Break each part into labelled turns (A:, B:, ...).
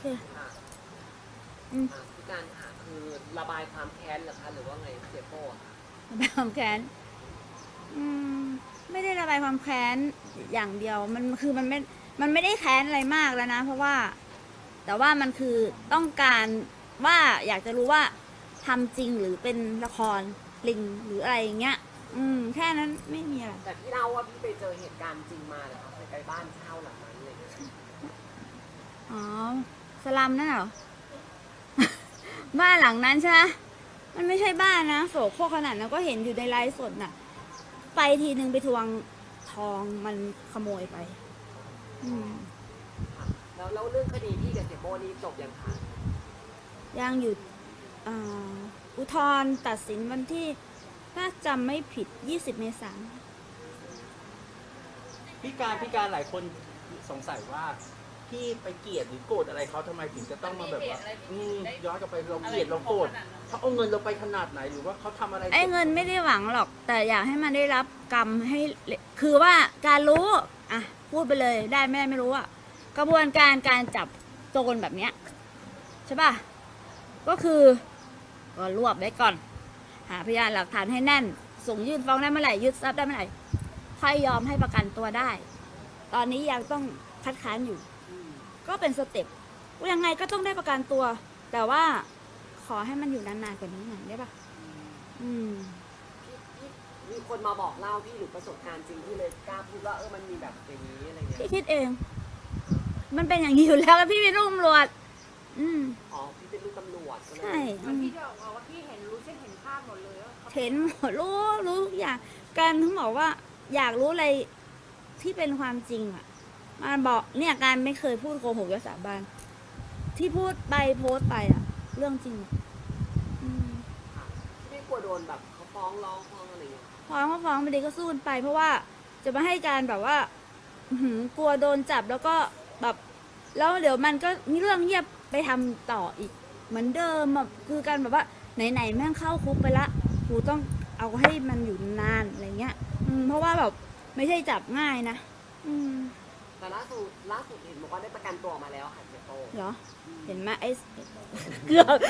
A: ค่ะพี่การค่ะคือระบายความแค้นเหรอคะหรือว่าไงเสียโป้อะค่ะ
B: ระบายความแค้นอืมไม่ได้ระบายความแค้นอย่างเดียวมันคือมันไม่ได้แค้นอะไรมากแล้วนะเพราะว่าแต่ว่ามันคือต้องการว่าอยากจะรู้ว่าทำจริงหรือเป็นละครลิงหรืออะไรอย่างเงี้ยแค่นั้นไม่มีอะไร
A: แต่พี่เล่าว่าพี่ไปเจอเหตุการณ์จริงมาเหรอคะไปบ้านเช่าหลังนั้นเลย
B: อ๋อสลัมนั่นเหรอ บ้านหลังนั้นใช่ไหมมันไม่ใช่บ้านนะโสโครกขนาดนั้นก็เห็นอยู่ในไลฟ์สดน่ะไปทีนึงไปทวงทองมันขโมยไป
A: ค่ะแล้วเรื่องคดีพี่กับเสียโป้นี่จบยังคะ
B: ยังอยู่อุทธรณ์ตัดสินวันที่ถ้าจำไม่ผิด20 เมษายน
C: พี่การหลายคนสงสัยว่าพี่ไปเกลียดหรือโกรธอะไรเขาทำไมถึงจะต้องมาแบบว่าย้อนกลับไปเราเกลียดเราโกรธเขาเอาเงินเราไปขนาดไหนหรือว่าเขาทำอะไร
B: ไอ้เงินไม่ได้หวังหรอกแต่อยากให้มันได้รับกรรมให้คือว่าการรู้อ่ะพูดไปเลยได้ไม่รู้อะกระบวนการจับโจรแบบเนี้ยใช่ป่ะก็คือก็รวบไว้ก่อนหาพยานหลักฐานให้แน่นส่งยื่นฟ้องได้เมื่อไหร่ยึดทรัพย์ได้เมื่อไหร่ค่อยยอมให้ประกันตัวได้ตอนนี้ยังต้องคัดค้านอยู่ก็เป็นสเต็ปยังไงก็ต้องได้ประกันตัวแต่ว่าขอให้มันอยู่นานๆกว่านี้หน่อยได้ปะ
A: พี่มีคนมาบอกเล่าพี่หรือประสบการณ์จริงที่เลยกล้าพูดว่ามันมีแบบอย่างนี้อะไรเงี้ย
B: พี่คิดเอง มันเป็นอย่างนี้อยู่แล้วพี่เป็นลูกตำรวจ
A: อ๋อพี่เป็นลูกตำรวจ
B: ใช่
D: พี่จะบอกว่าพี่เห็นรู้ใช่เห็นภาพหมดเลยว่า
B: เห็นหมดรู้ทุกอย่างการถึงบอกว่าอยากรู้อะไรที่เป็นความจริงอ่ะมาบอกเนี่ยการไม่เคยพูดโกหกยศสาบานที่พูดไปโพสต์ไปอ่ะเรื่องจริงอ่ะ
A: พี่ไม่กลัวโดนแบบเขาฟ้องร้องฟ้องอะไรอย่างเงี้ย
B: ฟ้องไปดีก็สู้กันไปเพราะว่าจะมาให้การแบบว่ากลัวโดนจับแล้วก็แบบแล้วเดี๋ยวมันก็มีเรื่องเงียบไปทำต่ออีกเหมือนเดิมแบบคือการแบบว่าไหนแม่งเข้าคุกไปละกูต้องเอาให้มันอยู่นานอะไรเงี้ยเพราะว่าแบบไม่ใช่จับง่ายนะ
A: แต่ล่าสุดเห็นบอกว่าได้ประกันตัวออกมาแล้วค่ะเสียโป้
B: เหรอเห็นไหมไอ้เกือบ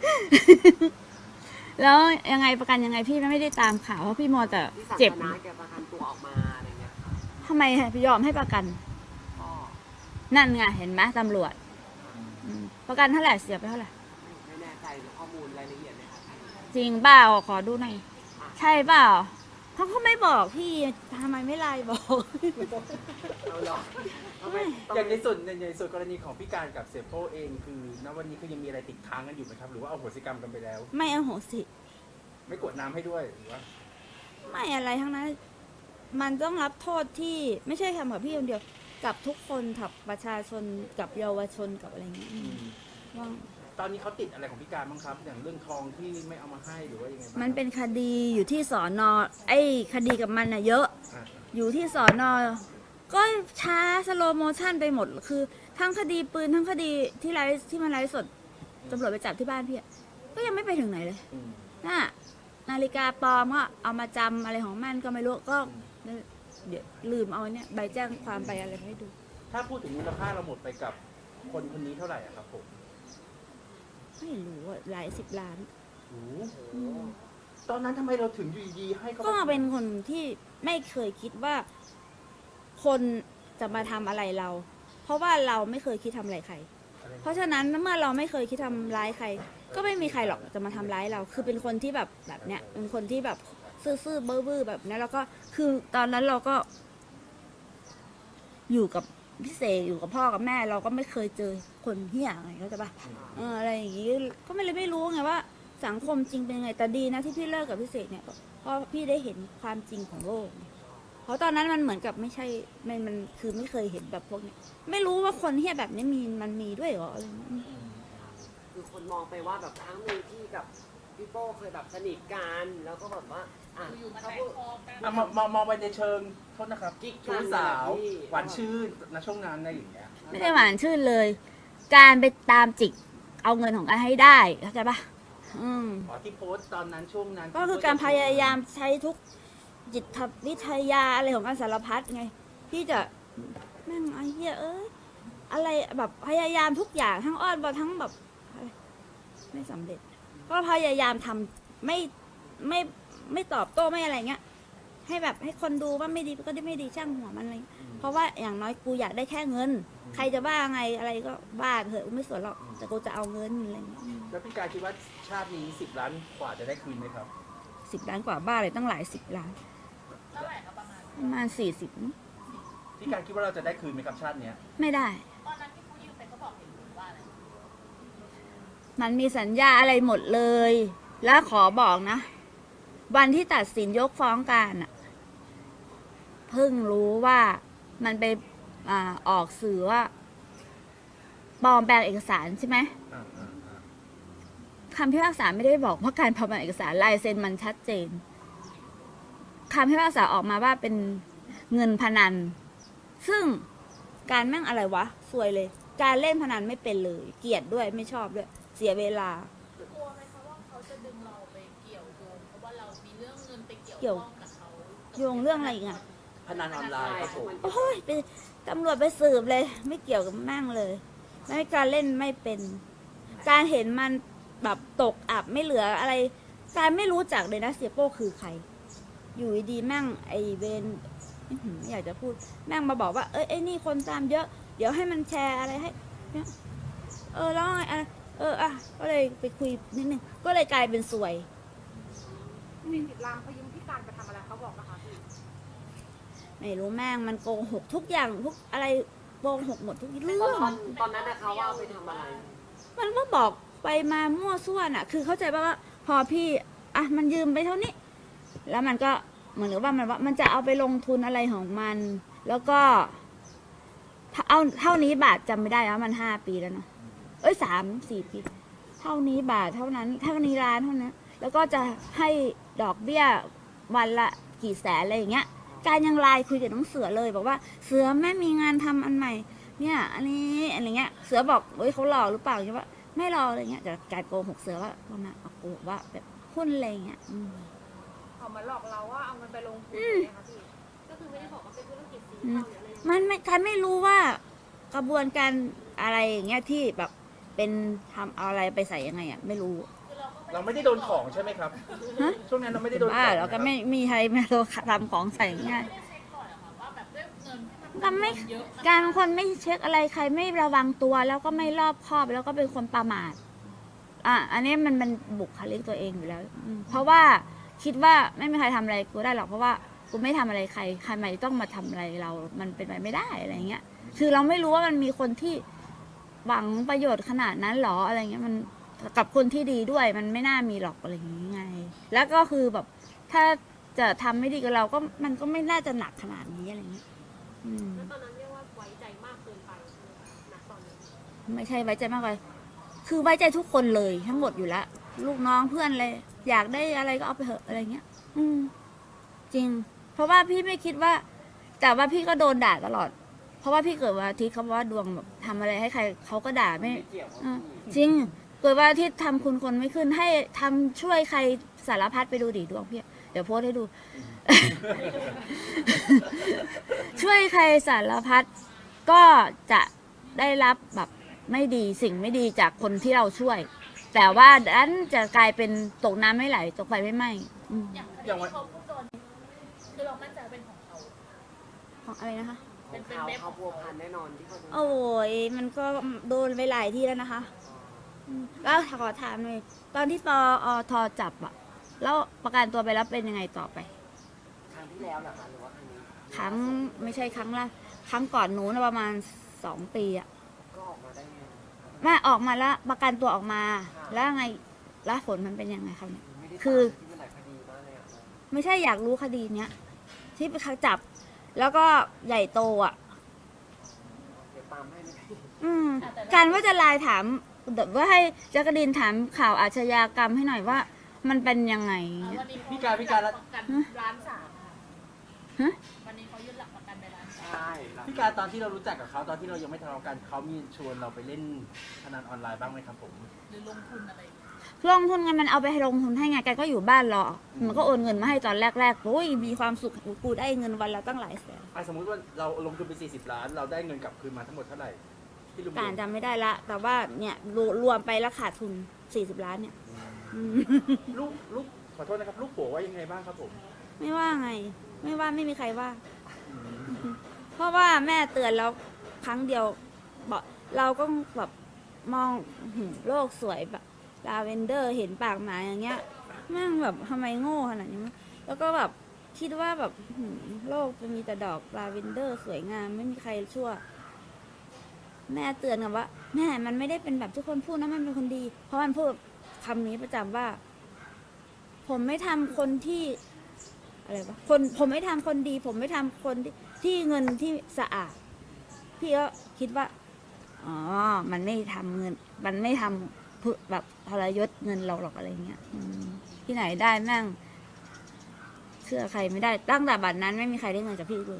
B: แล้วยังไงประกันยังไงพี่ไม่ได้ตามข่าวเพราะพี่มัวแต่เจ็บ
A: นะแกประกันตัวออกมาอะไรเงี้ยค่ะ
B: ทำไมพี่ยอมให้ประกันนั่นไงเห็นไหมตำรวจประกันเท่าไหร่เสียไปเท่าไหร่
A: ไม่แน่ใจข้อมูลรายละเอียดเลยค่ะ
B: จริงเปล่าขอดูหน่อยใช่เปล่าเขาไม่บอกพี่ทำไมไม่ไลน์บอก
A: เอาหรอ
C: อย่างในส่วนกรณีของพี่การกับเสียโป้เองคือณวันนี้คือยังมีอะไรติดค้างกันอยู่ไหมครับหรือว่าเอาโหสิกรรมกันไปแล้ว
B: ไม่เอาโหสิ
C: ไม่กดน้ำให้ด้วยหรือว่า
B: ไม่อะไรทั้งนั้นมันต้องรับโทษที่ไม่ใช่ทำกับพี่คนเดียวกับทุกคนกับประชาชนกับเยาวชนกับอะไรอย่างเงี้ยว่า
C: ตอนนี้เขาติดอะไรของพี่การบ้างครับอย่างเรื่องทองที่ไม่เอามาให้หรือว่ายังไงบ้าง
B: มันเป็นคดีอยู่ที่สอนไอ้คดีกับมันเยอะอยู่ที่สอนก็ช้าสโลโมชั่นไปหมดคือทั้งคดีปืนทั้งคดีที่มันไลฟ์สดตำรวจไปจับที่บ้านพี่ก็ยังไม่ไปถึงไหนเลยน่ะนาฬิกาปลอมก็เอามาจำอะไรของมันก็ไม่รู้ก็เดี๋ยวลืมเอาเนี่ยใบแจ้งความไปอะไรให้ดู
C: ถ้าพูดถึงมูลค่าเราหมดไปกับคนนี้เท่าไหร่ครับผม
B: ไม่รู้หลาย10 ล้าน
C: ตอนนั้นทำไมเราถึงอยู่ดีให้เขา
B: ก็เป็นคนที่ไม่เคยคิดว่าคนจะมาทำอะไรเราเพราะว่าเราไม่เคยคิดทำอะไรใครเพราะฉะนั้นเมื่อเราไม่เคยคิดทำร้ายใครก็ไม่มีใครหรอกจะมาทำร้ายเราคือเป็นคนที่แบบเนี้ยเป็นคนที่แบบซื่อๆบื้อๆแบบนี้แล้วก็คือตอนนั้นเราก็อยู่กับพี่เสกอยู่กับพ่อกับแม่เราก็ไม่เคยเจอคนเหี้ยอะไรเข้าใจปะอะไรอย่างงี้ก็ไม่รู้ไงว่าสังคมจริงเป็นไงแต่ดีนะที่พี่เลิกกับพี่เสกเนี่ยเพราะพี่ได้เห็นความจริงของโลกเพราะตอนนั้นมันเหมือนกับไม่ใช่มันคือไม่เคยเห็นแบบพวกนี้ไม่รู้ว่าคนเหี้ยแบบนี้มันมีด้วยเหรออะไร
A: คือคนมองไปว่าแบบครั้งหนึ่งที่กับพี่โป้เคยแบบสนิทกันแล้วก็แบบว่า
D: เขาพูด
C: มองไปในเชิงโทษนะครับชู้สาวหวานชื่นณช่วงนั้นอะไรอย่างเงี้ย
B: ไม่ได้หวานชื่นเลย การไปตามจิกเอาเงินของกันให้ได้เข้าใจปะ
C: ที่โพสต์ตอนนั้นช่วงนั้น
B: ก็คือการพยายามใช้ทุกจิตวิทยาอะไรของการสารพัดไงพี่จะแม่งไอ้เหี้ยอะไรแบบพยายามทุกอย่างทั้งอ้อนวอนทั้งแบบอะไรไม่สำเร็จ ก็พยายามทำไม่ไม่ตอบโต้ไม่อะไรเงี้ย ให้แบบให้คนดูว่าไม่ดีก็ได้ไม่ดีช่างหัวมันอะไรเพราะว่าอย่างน้อยกูอยากได้แค่เงิน ใครจะว่าไงอะไรก็ว่าเถอะกูไม่สนหรอกแต่กูจะเอาเงินอะไรเงี้ย
C: แล้วพี่การคิดว่าชาตินี้10 ล้านกว่าจะได้คืนไหมครับ
B: 10 ล้านกว่าบ้าเลยตั้งหลาย10 ล้าน
D: เท่าไหร่ครับประมาณ
B: ประมาณ40
C: พี่การคิดว่าเราจะได้คืนไหมครับชาติเนี้ย
B: ไม่ได้
D: ตอนนั้นที่เขายืมไปเขาบอกเห็นคุณว่าอะไร
B: มันมีสัญญาอะไรหมดเลย แล้วขอบอกนะ วันที่ตัดสินยกฟ้องการอะเพิ่งรู้ว่ามันไปออกสื่อว่าปลอมแปลงเอกสารใช่ไหม
C: อ่า
B: คำพิพากษาไม่ได้บอกว่าการปลอมแปลงเอกสารลายเซ็นมันชัดเจนคำพิพากษาออกมาว่าเป็นเงินพนัน ซึ่งการแม่งอะไรวะซวยเลย การเล่นพนันไม่เป็นเลย เกลียดด้วยไม่ชอบด้วย เสียเวลา
D: กลัวไหมคะว่าเขาจะดึงเราไปเกี่ยวโยงเพราะว่าเรามีเรื่องเงินไปเกี่ยว
B: เกี่ยว
D: ข้องกับเขา
B: โยงเรื่องอะไรอีกอะ
C: พนันออนไลน์ครับผม
B: โอ้ยไปตำรวจไปสืบเลย ไม่เกี่ยวกับแม่งเลยไม่การเล่นไม่เป็น การเห็นมันแบบตกอับไม่เหลืออะไร การไม่รู้จักเลยนะเสียโป้คือใคร อยู่ดีๆแม่งไอเวนไม่อยากจะพูด แม่งมาบอกว่าเอ้ยไอ้นี่คนตามเยอะ เดี๋ยวให้มันแชร์อะไรให้เนี่ยแล้วไงก็เลยไปคุยนิดนึงก็เลยกลายเป็นสวย
D: 40 ล้านเขายืมพี่การไปทำอะไรเขาบอกนะคะพี่
B: ไม่รู้แม่งมันโกหกทุกอย่างทุกอะไรโกหกหมดทุกเรื่
A: ต
B: อ
A: อง นนั้นนะคะว่าเอาไปทำอะไร
B: มันก็บอกไปมามั่วซั่วน่ะ คือเข้าใจป่ะว่าพอพี่มันยืมไปเท่านี้ แล้วมันก็เหมือนกับว่ามันจะเอาไปลงทุนอะไรของมัน แล้วก็เอาเท่านี้บาทจำไม่ได้แล้วมัน5 ปีแล้วเนาะ3-4 ปี เท่านี้บาทเท่านั้นเท่านี้ล้านเท่านั้นแล้วก็จะให้ดอกเบี้ยวันละกี่แสนอะไรอย่างเงี้ย การยังไลน์คุยกับน้องเสือเลยบอกว่าเสือแม่มีงานทำอันใหม่ เนี่ยอันนี้อะไรเงี้ย เสือบอกเฮ้ยเขาหลอกหรือเปล่าใช่ปะไม่หลอกอะไรเงี้ยแต่การโกหกเสือว่าประมาณโกหกว่าแบบหุ้นอะไรเงี้ย
D: เขามาหลอกเราว่าเอาเงินไปลงทุนอย่างเงี้ยค่ะพี่ก็คือไม่ได้บอกว่าเป็นธุรกิจสีเทาหรืออะไร
B: มันไม่การไม่รู้ว่ากระบวนการอะไรอย่างเงี้ยที่แบบเป็นทำเอาอะไรไปใส่ยังไงอ่ะไม่รู้
C: เราไม่ได้โดนของใช่ไหมครับ
B: ฮะ
C: ช่วงนั้นเราไม่ได้โดนของ
B: บ้าแล้วก็ไม่มีใครมาทำของใส่ง่าย
D: ไม่ได้เช็คก่อนเหรอคะว่าแบบด้วยเงินที่มัน
B: ก็ไม่
D: เยอะ
B: การเป็นคนไม่เช็คอะไรใครไม่ระวังตัวแล้วก็ไม่รอบคอบแล้วก็เป็นคนประมาทอันนี้มันบุคลิกตัวเองอยู่แล้วเพราะว่าคิดว่าไม่มีใครทำอะไรกูได้หรอกเพราะว่ากูไม่ทำอะไรใครไม่ต้องมาทำอะไรเรา มันเป็นไปไม่ได้อะไรเงี้ยคือเราไม่รู้ว่ามันมีคนที่หวังประโยชน์ขนาดนั้นหรออะไรเงี้ยมันกับคนที่ดีด้วยมันไม่น่ามีหรอกอะไรอย่างงี้ไงแล้วก็คือแบบถ้าจะทำไม่ดีกับเราก็มันก็ไม่น่าจะหนักขนาดนี้อะไรเงี้ย
D: แล้วตอนนั้นเรียกว่าไว้ใจมากเกินไปใช่ไหมคะณตอนนั้น
B: ไม่ใช่ไว้ใจมากเลยคือไว้ใจทุกคนเลยทั้งหมดอยู่แล้วลูกน้องเพื่อนเลย อยากได้อะไรก็เอาไปเถอะอะไรเงี้ยจริง เพราะว่าพี่ไม่คิดว่า แต่ว่าพี่ก็โดนด่าตลอด เพราะว่าพี่เกิดวันอาทิตย์เขาบอกว่าดวงแบบทำอะไรให้ใครเขาก็ด่าไม่
A: ไม่เกี่ยวกับ
B: อ่า
A: พี่
B: จริง เกิดวันอาทิตย์ทำคุณคนไม่ขึ้นให้ทำช่วยใครสารพัดไปดูดิดวงพี่เดี๋ยวโพสต์ให้ดู ช่วยใครสารพัดก็จะได้รับแบบไม่ดีสิ่งไม่ดีจากคนที่เราช่วย แต่ว่าดันจะกลายเป็นตกน้ำไม่ไหลตกไฟไม่ไหม้
D: อย่างคดีที่เขาพูดโดนคือเรามั่นใจว่าเป็นของเขา
B: ของอะไรนะคะ
A: ของเขาพัวพันแน่นอนที่เขาโดน
B: โอ้ยมันก็โดนไปหลายที่แล้วนะคะแล้วขอถามหน่อยตอนที่ปอทจับอะแล้วประกันตัวไปแล้วเป็นยังไงต่อไป
A: ครั้งที่แล้วเหรอคะหรือว่าครั้งนี้
B: ครั้งไม่ใช่ครั้งละครั้งก่อนหนูนะประมาณ2 ปีอะ
A: ก็ออกมาได้ไง
B: แม่ออกมาแล้วประกันตัวออกมา แล้วไงแล้วผลมันเป็นยังไงครับเนี่ย
A: ไม่ได้
B: คือ
A: ตามที่มันหลายคดีมากเลยอ่ะ
B: ไม่ใช่อยากรู้คดีเนี้ยที่ไปจับ แล้วก็ใหญ่โตอ่ะ
A: เดี๋ยวตามให้ไหมพี่
B: การว่าจะไลน์ถามแบบว่าให้จักรินถามข่าวอาชญากรรมให้หน่อยว่า มันเป็นยังไง
D: วันนี้
C: พี่การ
D: ประกัน1.3 ล้านค่ะ
B: ฮะ
D: วันนี้เขายื่นหลักประกันไป1.3 ล้าน
A: ใช่แล้ว
C: พี่การตอนที่เรารู้จักกับเขาตอนที่เรายังไม่ทะเลาะกันเขามีชวนเราไปเล่นพนันออนไลน์บ้างไหมครับผม
D: หรือลงทุนอะไรอย่างเงี้ย
B: ลงทุนไงมันเอาไปให้ลงทุนให้ไงแกก็อยู่บ้านรอมันก็โอนเงินมาให้ตอนแรกๆโอ้ยมีความสุขกูได้เงินวันละตั้งหลายแสน
C: สมมุติว่าเราลงทุนไป40 ล้าน เราได้เงินกลับคืนมาทั้งหมดเท่าไหร่ที่รวม
B: การจำไม่ได้ละ แต่ว่าเนี่ยรวมไปแล้วขาดทุน40 ล้านเนี่ยอืม
C: ลูกขอโทษนะครับลูกผัวว่ายังไงบ้างครับผม
B: ไม่ว่าไง ไม่ว่าไม่มีใครว่า เพราะว่าแม่เตือนแล้วครั้งเดียวบอกเราก็แบบมองโลกสวยแบบลาเวนเดอร์เห็นปากหมาอย่างเงี้ยแม่งแบบทำไมโง่ขนาดนี้วะแล้วก็แบบคิดว่าแบบโลกจะมีแต่ดอกลาเวนเดอร์สวยงามไม่มีใครชั่ว แม่เตือนกันว่าแม่มันไม่ได้เป็นแบบทุกคนพูดนะมันเป็นคนดี เพราะมันพูดคำนี้ประจำว่า ผมไม่ทำคนที่อะไรวะผมไม่ทำคนดี ผมไม่ทำคนที่เงินที่สะอาด พี่ก็คิดว่าอ๋อมันไม่ทำเงิน มันไม่ทำเพื่อแบบทรยศเงินเราหรอกอะไรเงี้ยที่ไหนได้แม่งเชื่อใครไม่ได้ตั้งแต่บัดนั้นไม่มีใครได้เงินจากพี่เลย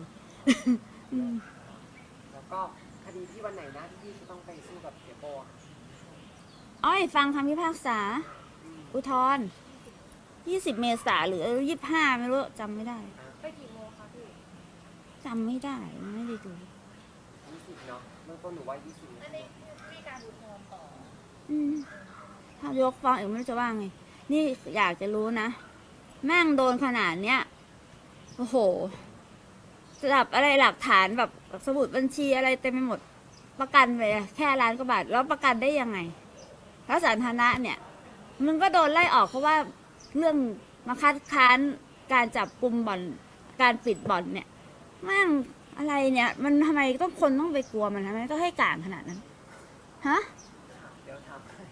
A: แล้วก็คดีที่วันไหนนะที่พี่จะต้องไปสู้กับเสียโป้อะ
B: อ้อยฟังคำพิพากษา อุทธรณ์20 เมษาหรือ25ไม่รู้จำไม่ได้
D: ไปกี่โมงคะพี่
B: จำไม่ได้ไม่ได้ดู
A: 20เนาะเบื้องต้นหนูว่า20
D: อันนี้มีการอุทธรณ์ต่อ
B: ถ้ายกฟ้องอีกไม่รู้จะว่าไง นี่อยากจะรู้นะ แม่งโดนขนาดเนี้ยโอ้โหสลับอะไรหลักฐานแบบสมุดบัญชีอะไรเต็มไปหมด ประกันไปแค่ล้านกว่าบาท แล้วประกันได้ยังไงแล้วสาธารณะเนี่ย มึงก็โดนไล่ออกเพราะว่าเรื่องมาคัดค้านการจับกลุ่มบ่อนการปิดบ่อนเนี่ยแม่งอะไรเนี่ย มันทำไมต้องคนต้องไปกลัวมันทำไมต้องให้การขนาดนั้นฮะ
A: เดี๋ยวทำให้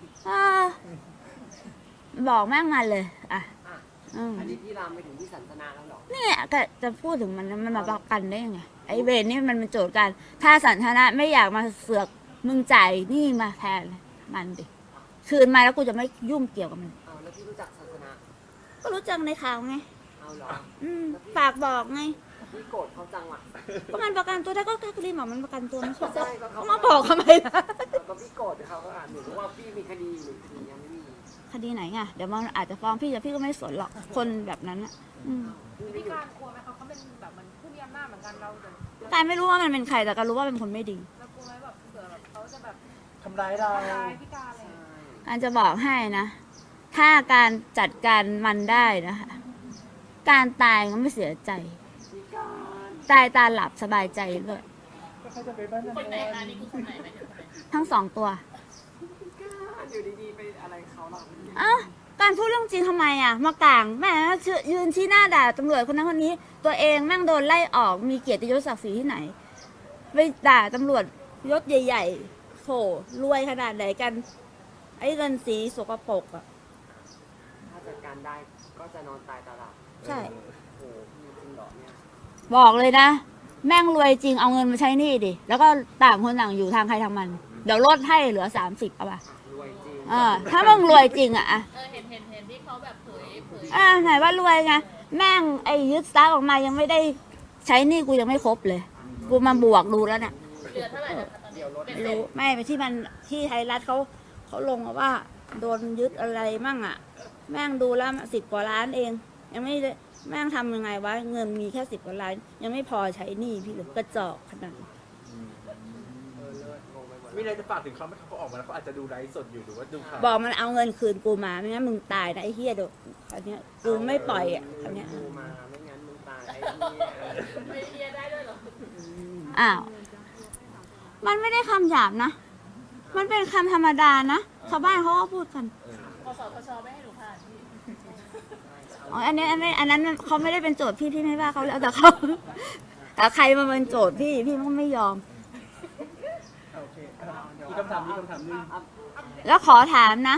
B: บอกแม่งมาเลย อ่ะ
A: อ่ะ
B: อืม
A: อันนี้พี่รามไปถึงที่สันทนาแล้วเหรอ
B: เนี่ยก็จะพูดถึงมันมาประกันได้ยังไง ไอ้เวรนี่มันเป็นโจทย์กัน ถ้าสันทนะไม่อยากมาเสือกมึงจ่ายนี่มาแทนมันดิ คืนมาแล้วกูจะไม่ยุ่งเกี่ยวกับมัน
A: เอาแล้วพี่รู้จักสันทนา
B: ก็รู้จักในข่าวไง
A: เอาเหรอ
B: ฝากบอกไง
A: พี่โกรธเขาจังอ่ะ
B: ก็มันประกันตัวได้ก็แค่รีบบอกมันประกันตัวไม่ใช่
A: ใช่ก็เขา
B: มาบอกทำไมล่ะ
A: ก็พี่โกรธเขาก็อ่านหนูรู้ว่าพี่มีคดีหรือคดียังไม่มี
B: คดีไหนไงเดี๋ยวมันอาจจะฟ้องพี่แต่พี่ก็ไม่สนหรอก คนแบบนั้นอ่ะ
D: มีการกลัวไหมคะเขาเป็นแบบมันผู้มีอำนาจเหมือนกันเราแต่
B: แต่ไม่รู้ว่ามันเป็นใครแต่ก็รู้ว่าเป็นคนไม่ดี
D: เรากลัวไหมแบบเผื่อแบบเขาจะแบบ
C: ทำร้ายเรา
D: ทำร้ายพิการอะไรอย่างเงี้ย
B: การจะบอกให้นะ ถ้าการจัดการมันได้นะคะ การตายก็ไม่เสียใจ
A: พี่การ
B: ตายตาหลับสบายใจเลย
C: ก็เขาจะไปบ้านนั่น
E: คนไหนคะนี่คือคนไหนไหมายถึงคนไหน
B: ทั้งสองตัว
A: พี่การอยู่ดีๆไปอะไรเขาหรอ
B: เอ้าการพูดเรื่องจริงทำไมอ่ะ มากลางแม่ยืนชี้หน้าด่าตำรวจคนนั้นคนนี้ ตัวเองแม่งโดนไล่ออกมีเกียรติยศศักดิ์ศรีที่ไหน ไปด่าตำรวจยศใหญ่ๆโถรวยขนาดไหนกัน ไอ้เงินสีสกปรกอ่ะ
A: ถ้าจัดการได้ก็จะนอนตายตาหลับ
B: ใช่
A: โอ้โหพี่จริงเหรอเนี่ย
B: บอกเลยนะ แม่งรวยจริงเอาเงินมาใช้หนี่ดิ แล้วก็ต่างคนต่างอยู่ทางใครทางมัน เดี๋ยวลดให้เหลือ30เอาป่ะ
A: รวยจริง
B: ถ้ามึงรวยจริงอ่ะ
E: เห็นที่เขาแบบเผย
B: ไหนว่ารวยไงแม่งไอ้ยึดทรัพย์ออกมายังไม่ได้ใช้หนี่กูยังไม่ครบเลย กูมาบวกดูแล้วเนี่ย
E: เหลือเท่าไหร่นะคะตอนนี้
A: เดี๋ยวรถ
B: ไม่รู้ไม่ไปที่มันที่ไทยรัฐเขาลงมาว่า โดนยึดอะไรมั่งอ่ะ แม่งดูแล้ว10 กว่าล้านเอง ยังไม่ได้แม่งทำยังไงวะเงินมีแค่10 กว่าล้าน ยังไม่พอใช้หนี้พี่เลยกระจอกขนาดนั้น
A: เลิศงงไปหมด
C: มีอะไรจะฝากถึงเขาไหมเขาออกมาแล้วเขาอาจจะดูไลฟ์สดอยู่หรือว่าดูข่าว
B: บอกมันเอาเงินคืนกูมาไม่งั้นมึงตายนะไอ้เฮียเดี๋ยวคราวเนี้ยกูไม่ปล่อยอ่ะคราวเนี้ย
A: กูมาไม่งั้นมึงตายไอ้เนี่ย
E: ไม่เรียนได้ด้วยเหรอ
B: อ้าวมันไม่ได้คำหยาบนะ มันเป็นคำธรรมดานะชาวบ้านเขาก็พูดกัน
E: พสทชไม่ให้หนูผ่านพี่
B: อ๋ออันนั้นเขาไม่ได้เป็นโจทย์พี่ไม่ว่าเขาแล้วแต่เขาแต่ใครมาเป็นโจทย์พี่ก็ไม่ยอม
C: โอเคมีคำถามนึง
B: แล้วขอถามนะ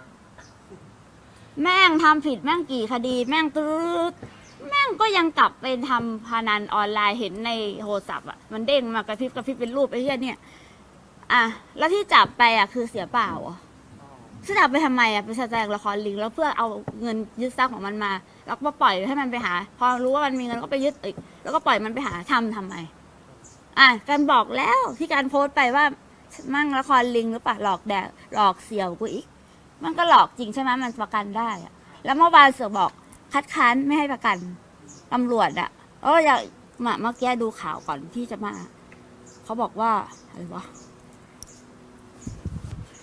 B: แม่งทำผิดแม่งกี่คดี แม่งตืดแม่งก็ยังกลับไปทำพนันออนไลน์เห็นในโทรศัพท์อ่ะมันเด้งมากระพริบเป็นรูปไอ้เหี้ยเนี่ยอ่ะแล้วที่จับไปอ่ะคือเสียเปล่าอ่ะที่จับไปทำไมอ่ะไปแสดงละครลิงแล้วเพื่อเอาเงินยึดทรัพย์ของมันมาแล้วก็ปล่อยให้มันไปหา พอรู้ว่ามันมีเงินก็ไปยึดอีกแล้วก็ปล่อยมันไปหาทำไมอ่ะการบอกแล้วที่การโพสต์ไปว่ามั่งละครลิงหรือเปล่าหลอกแดกหลอกเสี่ยวกูอีก มันก็หลอกจริงใช่ไหมมันประกันได้อะแล้วเมื่อวานเสือบอกคัดค้านไม่ให้ประกันตำรวจอะอยากเมื่อกี้ดูข่าวก่อนที่จะมาเขาบอกว่าอะไรวะ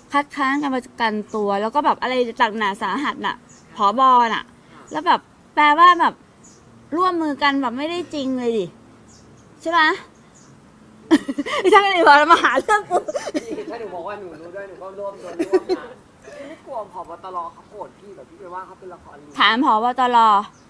B: คัดค้านการประกันตัว แล้วก็แบบอะไรต่างหนาสาหัสน่ะผบน่ะ แล้วแบบแปลว่าแบบร่วมมือกันแบบไม่ได้จริงเลยดิใช่ไหม ถ้าไม่ได้บอกมาหาเรื่องกู
A: พี่ถ้าหนูบอกว่าหนูรู้ด้วยหนูก็ร่วมโดนร่วมนะพี่ไม่กลัวผบตรเขาโกรธพี่แบบพี่ไปว่าเขาเป็นละครลิง
B: ถามผบตร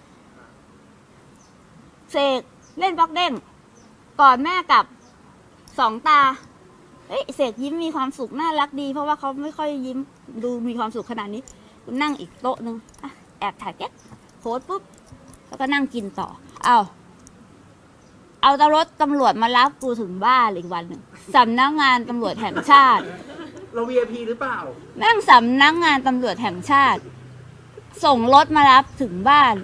B: เสกเล่นบล็อกเด้งก่อนแม่กลับสองตาเอ้ยเสกยิ้มมีความสุขน่ารักดี เพราะว่าเขาไม่ค่อยยิ้มดูมีความสุขขนาดนี้กูนั่งอีกโต๊ะนึงอ่ะแอบถ่ายแก๊กโพสต์ปุ๊บแล้วก็นั่งกินต่อเอารถตำรวจมารับกูถึงบ้านอีกวันหนึ่งสำนักงานตำรวจแห่งชาติ
C: เรา VIP หรือเปล่า
B: แม่งสำนักงานตำรวจแห่งชาติ ส่งรถมารับถึงบ้าน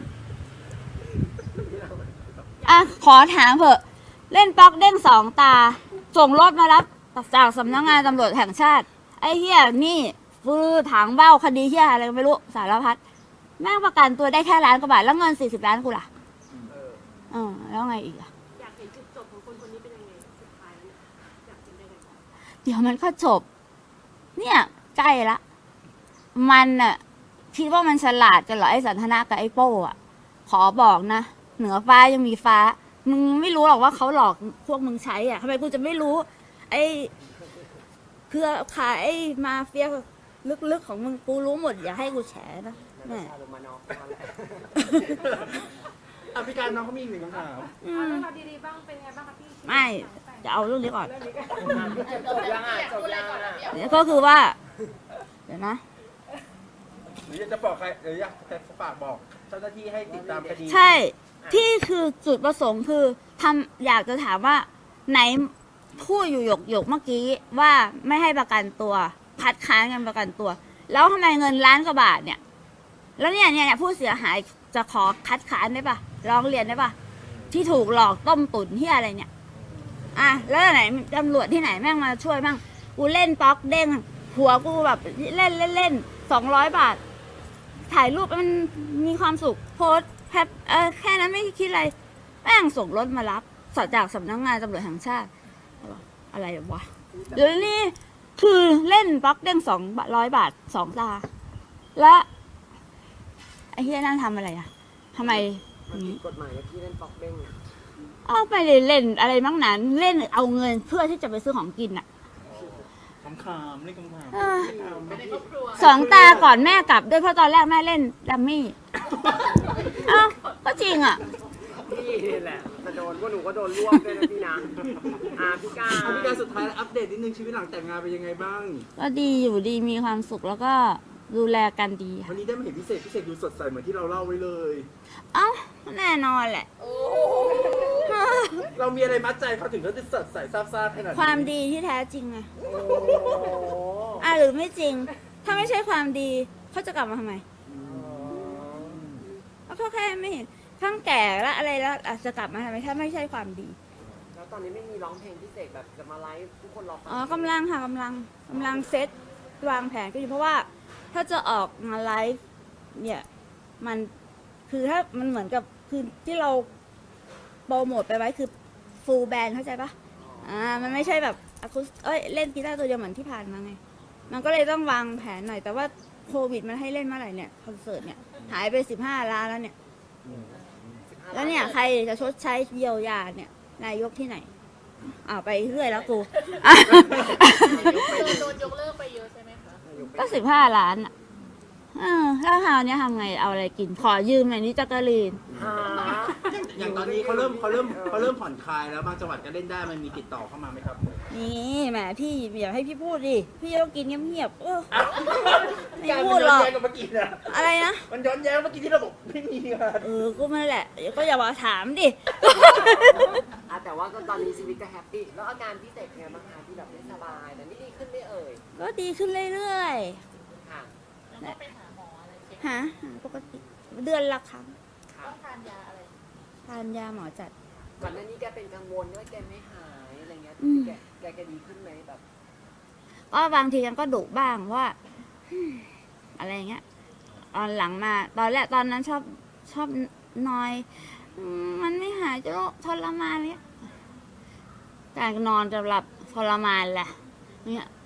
B: อ่ะขอถามเถอะเล่นป๊อกเด้งสองตา ส่งรถมารับจากสำนักงานตำรวจแห่งชาติ ไอ้เหี้ยนี่ฟื้อถางเบ้าคดีเหี้ยอะไรก็ไม่รู้สารพัดแม่งประกันตัวได้แค่1 ล้านกว่าบาทแล้วเงิน40 ล้านกูล่ะแล้วไงอีกอะ
D: อยากเห็นจุดจบของคนคนนี้เป็นยังไงสุดท้ายแล้วเนี่ยอยากเห็นยังไง
B: เดี๋ยวมันก็จบ เนี่ยใกล้ละ มันน่ะคิดว่ามันฉลาดกันเหรอไอ้สันทนากับไอ้โป้อะขอบอกนะ เหนือฟ้ายังมีฟ้า มึงไม่รู้หรอกว่าเขาหลอกพวกมึงใช้อ่ะทำไมกูจะไม่รู้ ไอ้เครือข่ายไอ้มาเฟียลึกๆของมึงกูรู้หมดอย่าให้กูแฉนะแม่
A: ชาลงมานอกมาแล้ว
C: อ่ะพี่การน้องเขามีอีกหนึ่งคำถาม
B: อื
D: เอา
B: ม
D: เรื่องราวดีๆบ้างเป็นไงบ้างคะพี่
B: ไม่จะเอาเรื่องนี้ก่อน
A: จบยังอ่ะจบยังอ่ะ
B: เนี่ยก็คือว่า เดี๋ยวนะ
C: หรืออยากจะบอกใครหรืออยากจะฝากบอกเจ้าหน้าที่ให้ติดตามคดี
B: ใช่ที่คือจุดประสงค์คืออยากจะถามว่าไหนพูดอยู่หยกเมื่อกี้ว่าไม่ให้ประกันตัวคัดค้านกันประกันตัว แล้วทำไมเงิน1 ล้านกว่าบาทเนี่ย แล้วเนี่ยผู้เสียหายจะขอคัดค้านได้ปะร้องเรียนได้ปะที่ถูกหลอกต้มตุ๋นที่อะไรเนี่ยอ่ะแล้วไหนตำรวจที่ไหนแม่งมาช่วยบ้างกูเล่นป๊อกเด้งหัวกูแบบเล่น200 บาท ถ่ายรูปมันมีความสุขโพสแฮปแค่นั้นไม่คิดอะไรแม่งส่งรถมารับจากสำนักงานตำรวจแห่งชาติอะไรวะเดี๋ยวนี้คือเล่นบล็อกเด้ง200 บาท2 ตา และไอ้เฮียนั่นทำอะไรอะทำไม
A: มันผิดกฎหมายที่เล่นป๊อกเด้งอ่ะ
B: เอาไปเลยเล่นอะไรบ้างนั้นเล่นเอาเงินเพื่อที่จะไปซื้อของกินอะ
C: คำถามเล่นคำถาม
B: เออ
E: เป็นในครอบครัว
B: 2 ตาก่อนแม่กลับด้วยเพราะตอนแรกแม่เล่นดัมมี่เอ้าก็จริงอะ
A: พี่นี่แหละจะโดนพวกหนูก็โดนรวบด้วยนะพี่นะพี่กา
C: อ่ะพี่การสุดท้ายแล้วอัปเดตนิดนึงชีวิตหลังแต่งงานเป็นยังไงบ้าง
B: ก็ดีอยู่ดีมีความสุขแล้วก็ดูแลกันดี
C: วั
B: ค่ะ
C: นนี้ได้มาเห็นพิเศษดูสดใสเหมือนที่เราเล่าไว้เลย
B: เอ้าแน่นอนแหละ
C: เรามีอะไรมัดใจเขาถึงเขาจะสดใสซาบซ่าขนาดนี้
B: ความดีที่แท้จริงไงหรือไม่จริง ถ้าไม่ใช่ความดีเขาจะกลับมาทำไมเขาแค่ไม่เห็นทั้งแก่และอะไรแล้วอาจจะกลับมาทำไมถ้าไม่ใช่ความดี
A: แล้วตอนนี้ไม่มีร้องเพลงพิเศษแบบจะมาไลฟ์ทุกคนรอฟัง
B: อ๋อกำลังค่ะกำลังเซตวางแผนก็อยู่เพราะว่าถ้าจะออกมาไลฟ์เนี่ยมันคือถ้ามันเหมือนกับคือที่เราโปรโมทไปไว้คือฟูลแบนด์เข้าใจปะมันไม่ใช่แบบอะคูสเล่นกีตาร์ตัวเดียวเหมือนที่ผ่านมาไงมันก็เลยต้องวางแผนหน่อยแต่ว่าโควิดมันให้เล่นเมื่อไหร่เนี่ยคอนเสิร์ตเนี่ยหายไป15 ล้านแล้วเนี่ยแล้วเนี่ยใครจะชดใช้เยียวยาเนี่ยนายกที่ไหนไปเรื่อยแล้วกู
E: โดนยกเลิกไปเยอะใช่ไหมคะ
B: ก็15 ล้านอ่ะแล้วคราวนี้ทำไงเอาอะไรกิน ขอยืมหน่อยนี่จักรีน
C: อย่างตอนนี้เขาเริ่มผ่อนคลายแล้วบางจังหวัดก็เล่นได้มันมีติดต่อเข้ามาไหมครับ
B: นี่แหมพี่อย่าให้พี่พูดดิ พี่ต้องกินเงียบๆไม่
C: การ
B: พู
C: มั
B: ด
C: น
B: หร
C: ย้อ
B: อน ก
C: แย้งกับเมื่อกี้นะ
B: อะไรนะ
C: มันย้อนแย้งเมื่อกี้ที่เราบอกไม่มีงาน
B: ก็ไม่แหละก็อย่ามาถามดิ
A: แต่ว่าก็ตอนนี้ชีวิตก็แฮปปี้แล้วอาการพิเศษเป็นไงบ้างคะที่แบบไม่สบายแต่นี่ดีขึ้นไม่เอ่ย
B: ก็ดีขึ้นเรื่อย
A: ค่ะ
E: แล้วก็ไปหาหมออะไรเช็ค
B: ๆหาปกติเดือนละครั้ง
A: ค่ะ
E: ต้องทานยาอะไร
B: ทานยาหมอจัด
A: ก่อนหน้านี้แกเป็นกังวลว่าแกไม่หายอะไรเงี้ย
B: อืม
A: แกดีขึ้นไหมแบบ
B: ก็บางทีกันก็ดุบ้างว่า อะไรเงี้ยตอนหลังมาตอนนั้นชอบนอยมันไม่หายจะทรมานเลยการนอนจะหลับทรมานแหละเนี่ย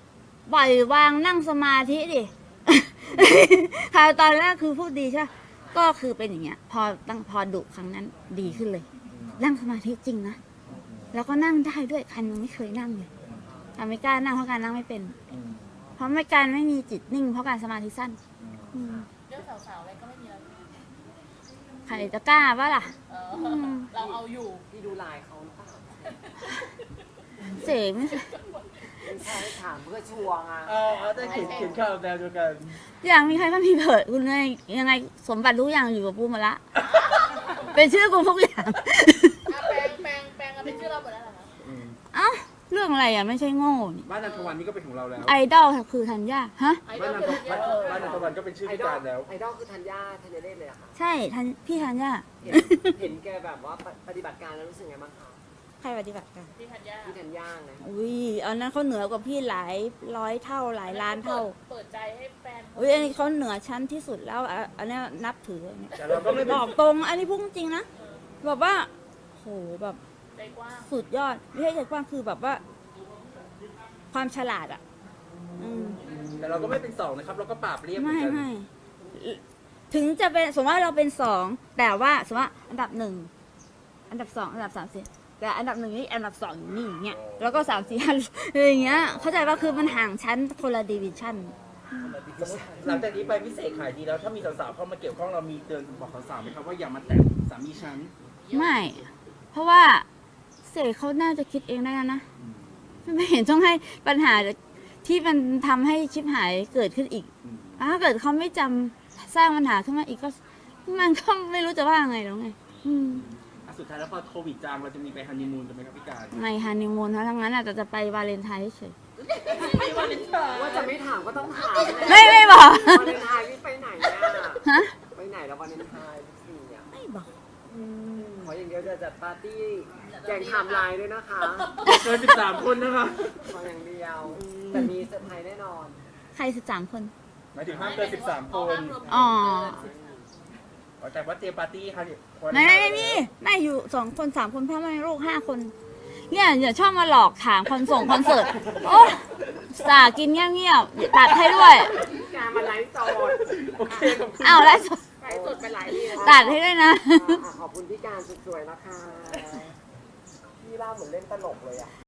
B: ปล่อยวางนั่งสมาธิดิ ค่ะตอนแรกคือพูดดีใช่ปะก็คือเป็นอย่างเงี้ย พอดุครั้งนั้นดีขึ้นเลย นั่งสมาธิจริงนะ แล้วก็นั่งได้ด้วยคันยังไม่เคยนั่งเลยแต่ไม่กล้านั่งเพราะการนั่งไม่เป็น เพราะการไม่มีจิตนิ่งเพราะการสมาธิสั้นอืม
E: เรื่องสาวๆอะไรก็ไม่มีแล้ว
B: ใครจะกล้าวะล่ะ
E: เราเอาอยู่
A: พี่ดูไลน์เขาหรือเปล่า
B: เสกไม่ใช่
A: ไม่ใช่ถามเพื่อชัวร์ไง
C: ได้เขียนข่าวแนวเดียวกัน
B: อย่างมีใครก็มีเผิดคุณยังไงสมบัติทุกอย่างอยู่กับกูหมาละ เป็นชื่อกูทุกอย่าง
E: แปลงกันเป็นชื่อเราหมดแล้วเหรอคะ
B: เอ้าเรื่องอะไรอ่ะไม่ใช่โง่นี่
C: บ้านนันทวันนี่ก็เป็นของเราแล้ว
B: ไอดอลคือธัญญาฮะ
E: ไอด
C: บ้า
E: อน ล
C: นัน
E: คือ
C: ทบ้านนันทวันก็เป็นชื่อ
A: ไอ
C: พิ
A: ดอ
C: กา
A: ล
C: รแล้ว
A: ไอดอลคือธัญญาเล่นเลยอะค่ะ
B: ใช่พี่ธัญญา
A: เห็นแกแบบว่าปฏิบัติการแล้วรู้สึกไงบ้างคะ
B: ใครปฏิบัติการ
E: พี่ธัญญา
A: พี่ธัญญาไง
B: อุ้ยอันนั้นเขาเหนือกว่าพี่หลายร้อยเท่าหลายล้านเท่า
E: เปิดใจให้แฟน
B: อุ้ยอันนี้เขาเหนือชั้นที่สุดแล้วอันนี้นับถืออันนี้
C: แต่เราก็ไม่
B: บ
C: เป็น
B: อกตรงอันนี้พูดจริงนะแบบว่าโหแบบ
E: ใจกว้าง
B: สุดยอดไม่ใช่ใจกว้างคือแบบว่า ความฉลาดอ่ะ อืม
C: แต่เราก็ไม่เป็นสองนะครับ เราก็ปราบเรียบเหมือนกัน
B: ไม่ถึงจะเป็นสมมติว่าเราเป็นสองแต่ว่าสมมติว่าอันดับหนึ่งอันดับสองอันดับสามสี่แต่อันดับหนึ่งนี่อันดับสองอยู่นี่อย่างเงี้ยแล้วก็สามสี่ห้าอย่างเงี้ยเข้าใจว่าคือมันห่างชั้นคนละดิวิชั่น
C: หลังจากนี้ไปพิเศษขายดีแล้ว ถ้ามีสาวๆเข้ามาเกี่ยวข้องเรามีเตือนบอกสาวๆไหมครับว่าอย่ามาแตะสามีฉัน
B: ไม่ เพราะว่าเสกเขาน่าจะคิดเองได้แล้วนะไม่เห็นต้องให้ปัญหาที่มันทำให้ชิบหายเกิดขึ้นอีกถ้าเกิดเขาไม่จำสร้างปัญหาขึ้นมาอีกก็มันก็ไม่รู้จะว่าไงแล้วไง
C: สุดท้ายแล้วพอโควิดจางเราจะมีไปฮันนีมูนกันไหมครับพี่การ
B: ไม่ฮันนีมูนทั้งนั้นอาจจะไปวาเลนไทน์เฉย
A: ว่าจะไม่ถามก็ต้องถาม
B: ไม่บอก
A: วาเลนไทน์พี่ไปไหนอะ
B: ฮะ
A: ไปไหนแล้ววาเลนไทน์ทุกทีอะ
B: ไม่บอก
A: ขออย่างเดียวจะจัดปาร์ตี้แจงไทม์ไลน์ด้วยนะคะ
C: เกิน13 คนนะคะ
A: ขออย่างเดียวแต่มีเซอร์ไพรส์แน่นอน
B: ใคร13 คน
C: หมายถึงห้ามเกิน13 คน
B: อ๋อ
C: แต่ว่าเตรียมปาร์ตี้ค่ะ
B: ไม่มีไม่อยู่2 คน 3 คนพ่อแม่ลูก5 คน เนี่ยอย่าชอบมาหลอกถามคอนเสิร์ตโอ้สากินเงียบๆตัดให้ด้วย
A: การมาไลฟ์สด
C: โอเคขอบคุณ
B: อ้าวแล้ว
A: ไลฟ์สดไปหลายทีแล้ว
B: ตัดให้ด้วยนะ
A: ขอบคุณพี่การสวยๆนะคะพี่เล่าเหมือนเล่นตลกเลยอะ